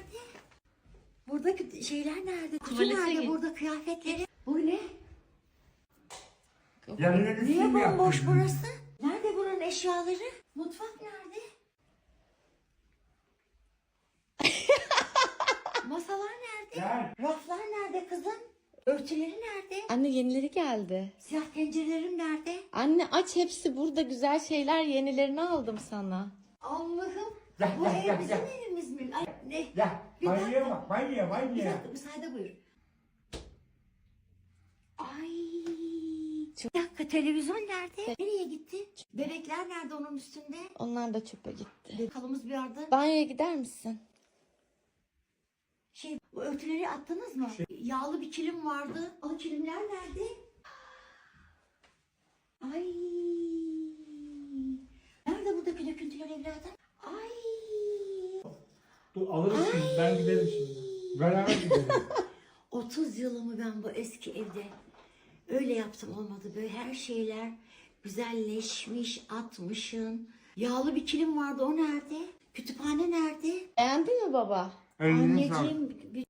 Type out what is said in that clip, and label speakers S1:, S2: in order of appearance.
S1: nerede? Buradaki şeyler nerede? Kutu
S2: Tuvalete
S1: nerede?
S2: git.
S1: Burada kıyafetleri. Bu ne?
S3: Yerleri
S1: Niye
S3: kim
S1: bomboş
S3: yaptı?
S1: burası? Nerede bunun eşyaları? Mutfak nerede? Masalar nerede?
S3: Gel.
S1: Raflar nerede kızım? Örtüleri nerede?
S2: Anne yenileri geldi.
S1: Siyah tencerelerim nerede?
S2: Anne aç, hepsi burada, güzel şeyler, yenilerini aldım sana.
S1: Allah'ım.
S3: Gel,
S1: Bu
S3: gel,
S1: ev
S3: gel,
S1: bizim
S3: gel.
S1: evimiz mi? Ay, ne?
S3: Ya
S1: Bir
S3: banyoya
S1: dakika.
S3: bak, banyoya,
S1: Bir
S3: banyoya.
S1: dakika müsaade buyur. Ay. Bir dakika televizyon nerede? Nereye gitti? Bebekler nerede onun üstünde?
S2: Onlar da çöpe gitti.
S1: Kalımız bir yerde.
S2: Banyoya gider misin?
S1: Bu örtüleri attınız mı? Yağlı bir kilim vardı. O kilimler nerede? Ay. Nerede buradaki döküntüler evladım? Ay.
S3: Dur alırız şimdi, ben giderim şimdi. Beraber gidelim.
S1: 30 yılımı ben bu eski evde öyle yaptım, olmadı. Böyle her şeyler güzelleşmiş, atmışın. Yağlı bir kilim vardı, o nerede? Kütüphane nerede?
S2: Beğendin mi baba?
S3: Eline sağlık.
S1: Anneciğim